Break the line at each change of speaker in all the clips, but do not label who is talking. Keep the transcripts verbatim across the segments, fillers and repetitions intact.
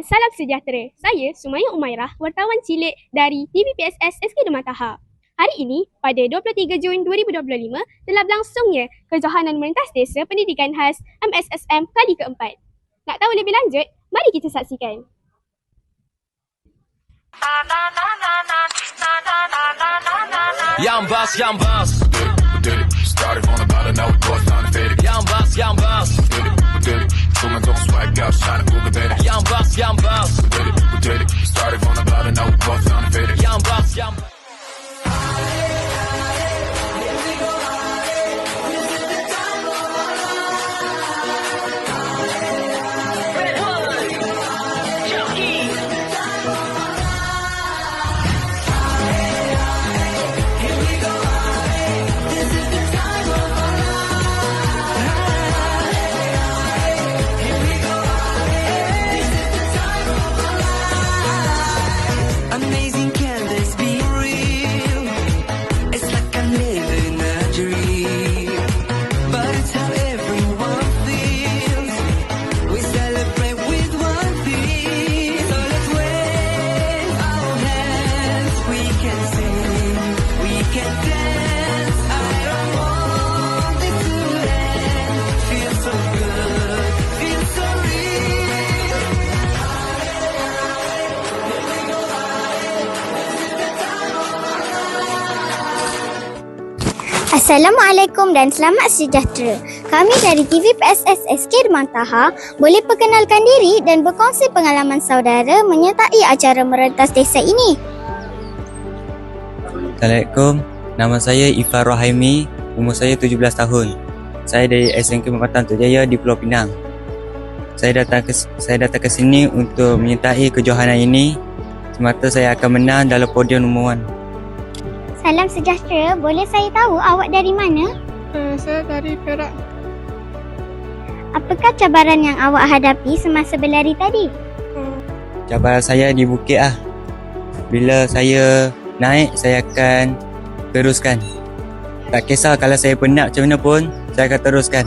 dan salam sejahtera. Saya Sumaya Umairah, wartawan cilik dari T V P S S S K Dr. Taha. Hari ini, pada dua puluh tiga Jun dua ribu dua puluh lima, telah berlangsungnya Kejohanan Merentas Desa Pendidikan Khas M S S M kali keempat. Nak tahu lebih lanjut? Mari kita saksikan.
Young boss, young boss. Did it, did it. Started on about an hour, boy, time to fade it. Young boss, young boss. Did it, we did it. Showing don't swag out, shining cool, baby. Young boss, young boss. We did it, we did it. Started on about an hour, boy, time to fade it. Young boss, young boss.
Amazing, can this be real? It's like I'm living a dream, but it's how everyone feels. We celebrate with one thing, so let's wave our hands. We can sing, we can dance. I don't want it to end. Feels so good, feels so real.
Assalamualaikum dan selamat sejahtera. Kami dari T V P S S S K Dr. Taha boleh perkenalkan diri dan berkongsi pengalaman saudara menyertai acara merentas desa ini.
Assalamualaikum, nama saya Ifar Rohaimi, umur saya tujuh belas tahun. Saya dari S M K Perempatan Tok Jaya di Pulau Pinang. Saya datang ke saya datang ke sini untuk menyertai kejohanan ini semata saya akan menang dalam podium nombor satu.
Salam sejahtera, boleh saya tahu awak dari mana?
Uh, saya dari Perak.
Apakah cabaran yang awak hadapi semasa berlari tadi?
Cabaran saya di bukit ah. Bila saya naik, saya akan teruskan. Tak kisah kalau saya penat macam mana pun, saya akan teruskan.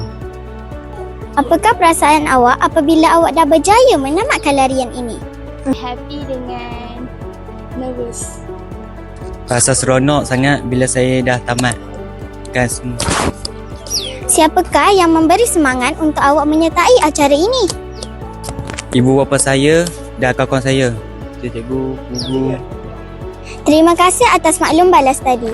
Apakah perasaan awak apabila awak dah berjaya menamatkan larian ini?
Happy dengan nervous.
Rasa seronok sangat bila saya dah tamat kan semua.
Siapakah yang memberi semangat untuk awak menyertai acara ini?
Ibu bapa saya dan kawan-kawan saya. Cikgu, guru.
Terima kasih atas maklum balas tadi.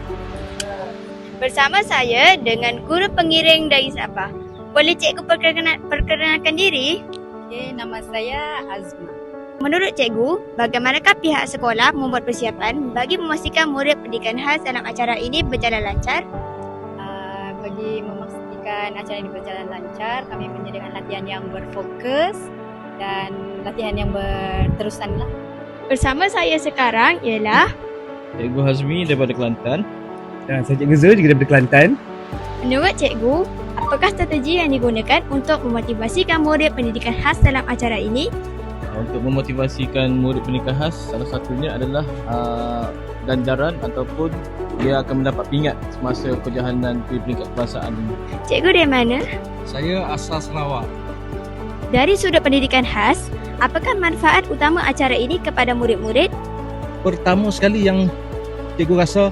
Bersama saya dengan guru pengiring dari Sabah. Boleh cikgu perkenal, perkenalkan diri?
Okay, nama saya Azma.
Menurut cikgu, bagaimanakah pihak sekolah membuat persiapan bagi memastikan murid pendidikan khas dalam acara ini berjalan lancar?
Uh, bagi memastikan acara ini berjalan lancar, kami menyediakan latihan yang berfokus dan latihan yang berterusan lah.
Bersama saya sekarang ialah
Cikgu Hazmi daripada Kelantan. Dan saya Cikgu Zul juga daripada Kelantan.
Menurut cikgu, apakah strategi yang digunakan untuk memotivasikan murid pendidikan khas dalam acara ini?
Untuk memotivasikan murid pendidikan khas, salah satunya adalah uh, ganjaran ataupun dia akan mendapat pingat semasa kejohanan peringkat kebangsaan ini.
Cikgu dari mana?
Saya asal Sarawak.
Dari sudut pendidikan khas, apakah manfaat utama acara ini kepada murid-murid?
Pertama sekali yang cikgu rasa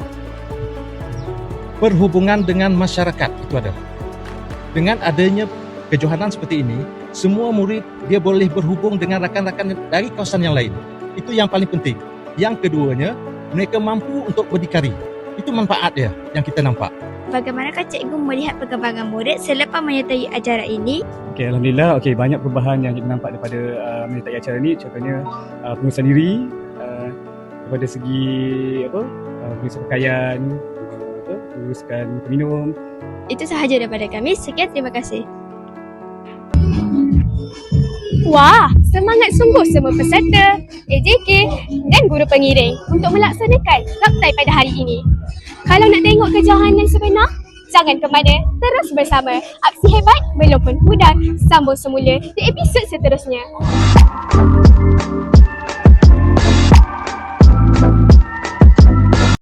berhubungan dengan masyarakat itu adalah dengan adanya kejohanan seperti ini, semua murid dia boleh berhubung dengan rakan-rakan dari kawasan yang lain. Itu yang paling penting. Yang keduanya, mereka mampu untuk berdikari. Itu manfaat dia yang kita nampak.
Bagaimanakah cikgu melihat perkembangan murid selepas menyertai acara ini?
Okay, Alhamdulillah, okay, banyak perubahan yang kita nampak daripada uh, menyertai acara ini. Contohnya uh, pengurusan diri, uh, daripada segi apa, uh, pengurusan pakaian, uh, apa, menguruskan minum.
Itu sahaja daripada kami. Sekian, terima kasih. Wah, semangat sungguh semua peserta, A J K dan guru pengiring untuk melaksanakan kaptai pada hari ini. Kalau nak tengok kejohanan sebenar, jangan ke mana, terus bersama. Aksi hebat belum pun pudar, sambung semula di episod seterusnya.